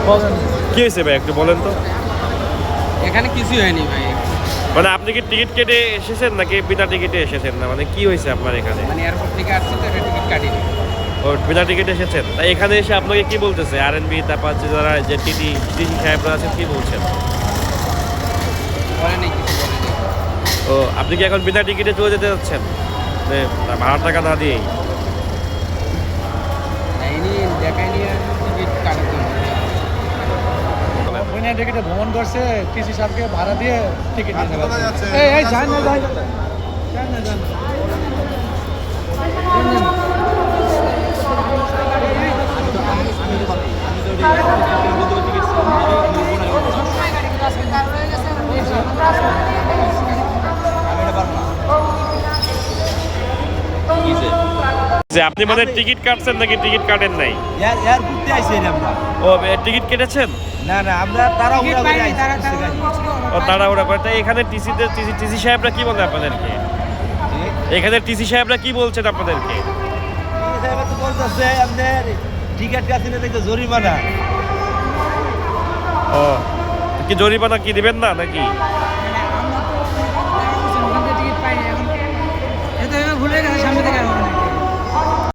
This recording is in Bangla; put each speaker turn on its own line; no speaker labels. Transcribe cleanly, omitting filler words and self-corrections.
কি হয়েছে ভাই একটু বলেন তো?
এখানে কিছুই হয়নি ভাই।
মানে আপনি কি টিকিট কেটে এসেছেন নাকি বিনা টিকিটে এসেছেন? না মানে কি হয়েছে আপনার এখানে?
মানে এয়ারপোর্ট থেকে আসছি তো এটা টিকিট কাটিনি।
ও বিনা টিকিটে এসেছেন, তাই এখানে এসে আপনাকে কি বলতেছে আরএনবি, তারপর যে যারা যে টিটি টিটি সাহেবরা আছেন কি বলছেন?
বলেনি, কিছু বলেনি।
ও আপনি কি এখন বিনা টিকিটে চলে যেতে যাচ্ছেন ভাড়া টাকা না দিয়েই?
দেয়নি, দেখায়নি আর টিকিট কাটার জন্য।
বিনা টিকিটে ভ্রমণ করছে, টিসি সাহেবকে ভাড়া দিয়ে টিকিট নিতে পারছে। এই যান না, যান না, যান না, যান না।
যে আপনি মানে টিকিট কাটছেন নাকি টিকিট কাটেন নাই?
এয়ারপোর্টে আইছি আমরা।
ও টিকিট কেটেছেন?
না না, আমরা তাড়াহুড়া করে আইছি।
ও তাড়াহুড়া করে। তাই এখানে টিসি সাহেবরা কি বলে আপনাদেরকে? এখানে টিসি সাহেবরা কি বলছেন আপনাদেরকে?
সাহেব তো বলতেছে আপনার টিকিট কাটিলে দেখে জরিমানা।
ও কি জরিমানা কি দিবেন না নাকি?